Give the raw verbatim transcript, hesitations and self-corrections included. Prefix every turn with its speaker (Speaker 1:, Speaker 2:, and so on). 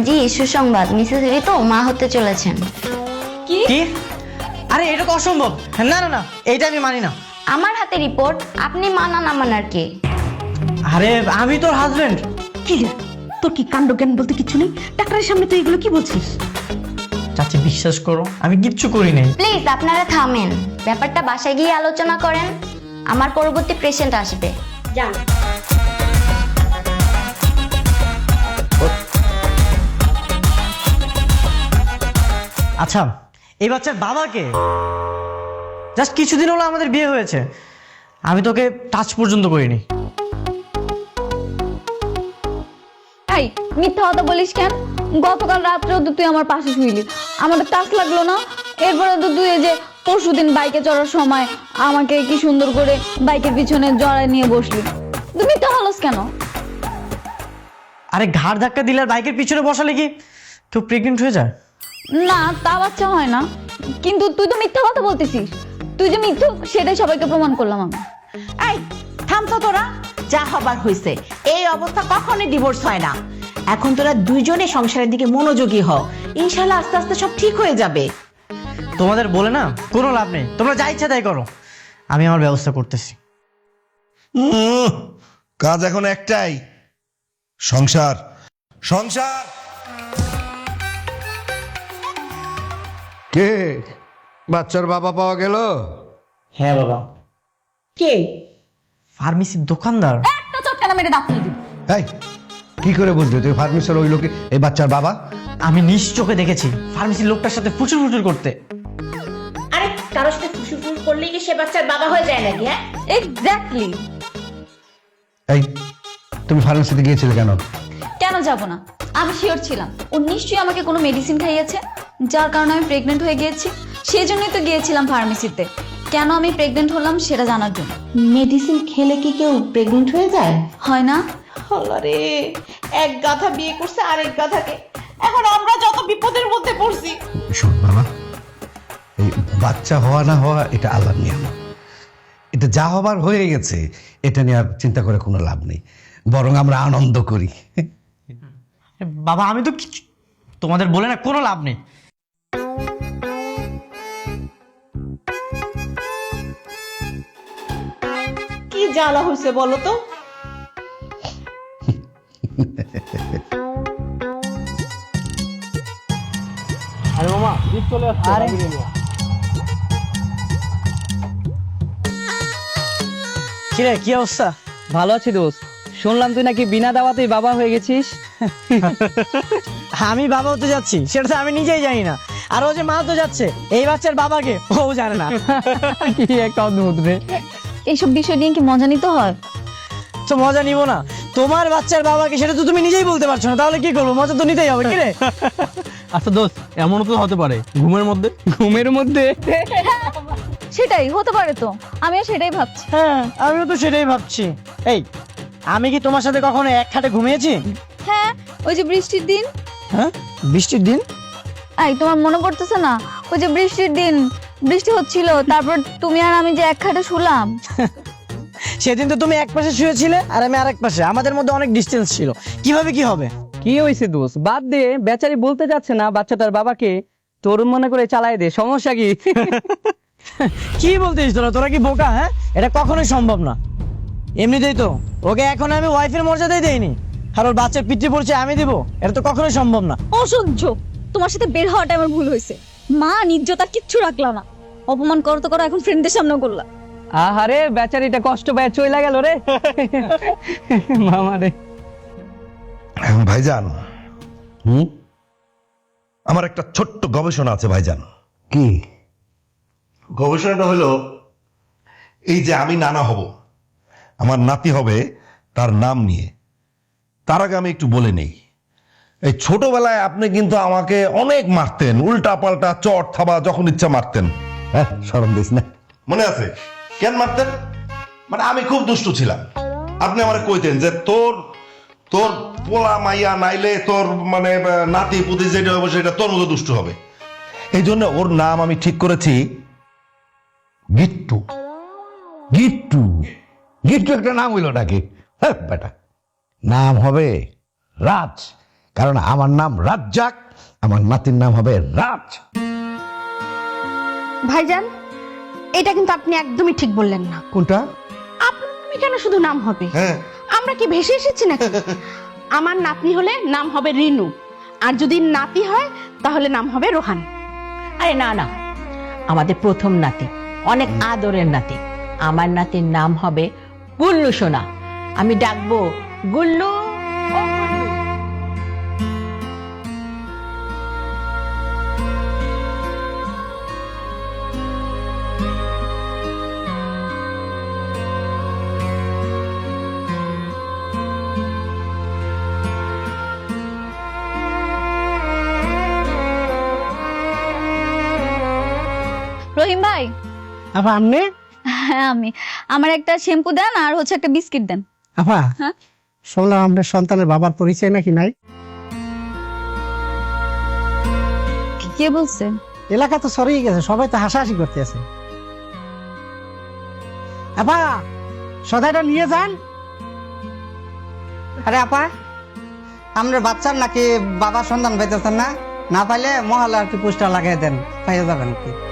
Speaker 1: জি সুসংবাদ, মিসেস ঋতু মা হতে চলেছেন।
Speaker 2: কি কি? আরে এটা তো অসম্ভব। না না না, এইটা আমি মানি না।
Speaker 1: আমার হাতে রিপোর্ট, আপনি মানা না মানার কে?
Speaker 2: আরে আমি তোর হাজবেন্ড।
Speaker 3: কি রে, তোর কি কাণ্ড জ্ঞান বলতে কিছু নেই? ডাক্তারের সামনে তুই এগুলো কি বলছিস?
Speaker 2: চাচি বিশ্বাস করো, আমি কিচ্ছু করি নাই।
Speaker 1: প্লিজ আপনারা থামেন, ব্যাপারটা বাসায় গিয়ে আলোচনা করেন। আমার পরবর্তী পেশেন্ট আসবে, যান।
Speaker 2: আচ্ছা, এই বাচ্চার বাবাকে? জাস্ট কিছুদিন হলো আমাদের বিয়ে হয়েছে, আমি তোকে টাচ পর্যন্ত করিনি।
Speaker 4: এই মিথ্যা কথা বলিস কেন? গতকাল রাত্রেও তো তুই আমার পাশে শুইলি, আমাদের টাচ লাগলো না? এরপরে তো তুই এই যে পরশুদিন বাইকে চড়ার সময় আমাকে কি সুন্দর করে বাইকের পিছনে জড়ায় নিয়ে বসলি, তুই মিথ্যা বলস কেন?
Speaker 2: আরে ঘাড় ধাক্কা দিলে আর বাইকের পিছনে বসালে কি কেউ প্রেগনেন্ট হয়ে যায়?
Speaker 4: না, তা বাচ্চা হয় না, কিন্তু তুই তো মিথ্যা কথা বলতেছিস। তুই যে মিথ্যুক সেটাই সবাইকে প্রমাণ করলাম আমি।
Speaker 3: এই থামতো তোরা, যা হবার হয়েছে। এই অবস্থা কখনোই ডিভোর্স হয় না। এখন তোরা দুইজনে সংসারের দিকে মনোযোগী হও, ইনশাআল্লাহ আস্তে আস্তে সব ঠিক হয়ে যাবে।
Speaker 2: তোমাদের বলে না কোনো লাভ নেই, তোমরা যা ইচ্ছা তাই করো, আমি আমার ব্যবস্থা করতেছি।
Speaker 5: উম, কাজ এখন একটাই, সংসার সংসার।
Speaker 6: কে? বাচ্চার বাবা পাওয়া গেল?
Speaker 2: হ্যাঁ বাবা।
Speaker 3: কে?
Speaker 2: ফার্মেসির দোকানদার।
Speaker 4: একটা চটকানা মেরে দাঁত ফেলে দিবি।
Speaker 6: এই কি করে বুঝলি তুই ফার্মেসির ওই লোকে এই বাচ্চার বাবা?
Speaker 2: আমি নিজ চোখে দেখেছি ফার্মেসির লোকটার সাথে ফুচুর ফুচুর করতে।
Speaker 3: আরে কারোর সাথে ফুসুফুস করলেই কি সে বাচ্চার বাবা হয়ে যায় নাকি? হ্যাঁ
Speaker 4: এক্স্যাক্টলি।
Speaker 6: এই তুমি ফার্মেসিতে গিয়েছিলে কেন?
Speaker 4: কেন যাব না? আমি শিওর ছিলাম ও নিশ্চয়ই আমাকে কোনো মেডিসিন খাইয়েছে, যার কারণে আমি প্রেগনেন্ট হয়ে গিয়েছি। সেই জন্যই তো গিয়েছিলাম ফার্মেসিতে, কেন আমি প্রেগনেন্ট হলাম সেটা জানার জন্য।
Speaker 3: মেডিসিন খেলে কি কেউ প্রেগনেন্ট হয়ে যায়?
Speaker 4: হয় না?
Speaker 3: আল্লাহরে, এক গাধা বিয়ে করছে আরেক গাধাকে, এখন আমরা যত বিপদের মধ্যে পড়ছি।
Speaker 6: শোন বাবা, এই বাচ্চা হওয়া না হওয়া এটা আল্লাহর নিয়ম। এটা যা হবার হয়ে গেছে, এটা নিয়ে আর চিন্তা করে কোনো লাভ নেই, বরং আমরা আনন্দ করি।
Speaker 2: বাবা আমি তো কিছু তোমাদের বলে না কোনো লাভ নেই।
Speaker 3: কি জ্বালা হয়েছে বলো তো?
Speaker 2: আরে মামা জিপ চলে আসছে। আরে কি রে, কি অবস্থা?
Speaker 7: ভালো আছি দোস্ত, শুনলাম তুই নাকি বিনা দাওয়াতেই বাবা হয়ে গেছিস।
Speaker 2: আমি বাবা হতে যাচ্ছি সেটা তো আমি নিজেই জানি না, আর ও যে মা তো যাচ্ছে এই বাচ্চার বাবাকে ও জানে না।
Speaker 7: কি একটা অদ্ভুত রে।
Speaker 4: এইসব বিষয় নিয়ে কি মজা নিতে হয়?
Speaker 2: তো মজা নিব না? তোমার বাচ্চার বাবাকে সেটা তো তুমি নিজেই বলতে পারছো না, তাহলে কি করবো? মজা তো নিতেই হবে। কি রে?
Speaker 8: আচ্ছা দোস্ত, এমনও তো হতে পারে ঘুমের মধ্যে।
Speaker 7: ঘুমের মধ্যে?
Speaker 4: সেটাই হতে পারে তো, আমিও সেটাই ভাবছি।
Speaker 2: হ্যাঁ আমিও তো সেটাই ভাবছি। এই আমি কি তোমার সাথে কখনো এক খাটে ঘুমিয়েছি?
Speaker 4: হ্যাঁ, ওই যে বৃষ্টির দিন।
Speaker 2: হ্যাঁ বৃষ্টির দিন?
Speaker 4: এই তোমার মনে পড়তেছে না ওই যে বৃষ্টির দিন বৃষ্টি হচ্ছিল, তারপর তুমি আর আমি যে এক খাটে শুলাম?
Speaker 2: সেদিন তো তুমি এক পাশে শুয়েছিলে আর আমি আরেক পাশে, আমাদের মধ্যে অনেক ডিস্টেন্স ছিল, কিভাবে কি হবে?
Speaker 7: কি হয়েছে দোস্ত? বাদ দে, বেচারি বলতে যাচ্ছে না বাচ্চাটার বাবাকে, তোর মনে করে চালাই দে, সমস্যা কি?
Speaker 2: কি বলতেছিস তোরা? তোরা কি বোকা? হ্যাঁ এটা কখনোই সম্ভব না। এমনিতেই তো ওকে এখন আমি ওয়াইফের মর্যাদাই দেইনি, আর ওর বাচ্চার পিতৃ পরিচয় আমি দিব, এটা তো কখনোই সম্ভব না।
Speaker 4: অসহ্য, তোমার সাথে বের হওয়াটা আমার ভুল হয়েছে। মা নির্যতা কিচ্ছু রাখলা না, অপমান করো তো করো, এখন ফ্রেন্ডদের সামনেও করলা।
Speaker 7: আহারে বেচারিটা কষ্ট পায় চইলা গেল রে। মামা রে।
Speaker 5: ভাইজান, হুম আমার একটা ছোট্ট গবেষণা আছে ভাইজান।
Speaker 6: কি
Speaker 5: গবেষণাটা হলো এই যে আমি নানা হব, আমার নাতি হবে তার নাম নিয়ে। তার আগে আমি একটু বলে নেই, এই ছোটবেলায় আপনি কিন্তু আমাকে অনেক মারতেন, উল্টা পাল্টা চট থাবা যখন ইচ্ছা মারতেন।
Speaker 6: হ্যাঁ শরম দিস না?
Speaker 5: মনে আছে কেন মারতেন? মানে আমি খুব দুষ্টু ছিলাম, আপনি আমার কইতেন যে তোর তোর পোলা মাইয়া নাইলে তোর মানে নাতি পুতি যেটা হবে সেটা তোর মতো দুষ্টু হবে। এই জন্য ওর নাম আমি ঠিক করেছি গিট্টু।
Speaker 6: গিট্টু? গিট্টু একটা নাম হইল নাকি? হ্যাঁ বেটা, নাম হবে রাজ, কারণ আমার নাম রাজ্জাক, আমার নাতির নাম হবে রাজ।
Speaker 9: ভাইজান, এটা কিন্তু আপনি একদমই ঠিক বললেন না।
Speaker 6: কোনটা?
Speaker 9: আপনার নামে কেন শুধু নাম হবে?
Speaker 5: হ্যাঁ
Speaker 9: আমরা কি ভেসে এসেছি নাকি? আমার নাতনি হলে নাম হবে রিনু, আর যদি নাতি হয় তাহলে নাম হবে রোহান।
Speaker 3: আরে না না, আমাদের প্রথম নাতি, অনেক আদরের নাতি। আমার নাতির নাম হবে গুল্লু সোনা। আমি ডাকবো গুল্লু। ও গুল্লু।
Speaker 4: রহিম ভাই।
Speaker 7: আপা আপনি?
Speaker 4: হ্যাঁ আমি। আমার একটা শ্যাম্পু দেন আর হচ্ছে একটা বিস্কিট দেন।
Speaker 7: আপা
Speaker 4: হ্যাঁ?
Speaker 7: শুনলাম আপনার সন্তানের বাবার পরিচয় নাকি নাই?
Speaker 4: কে বলছে?
Speaker 7: এলাকা তো সরিয়ে গেছে, সবাই তো হাসাহাসি করতে আছে। আপা সদাইটা নিয়ে যান।
Speaker 2: আরে আপা, আমরা বাচ্চার নাকি বাবার সন্ধান পাইতেছেন না? না পাইলে মহল্লা আর কি পোস্টার লাগাই দেন, পাইয়া যাবেন কি।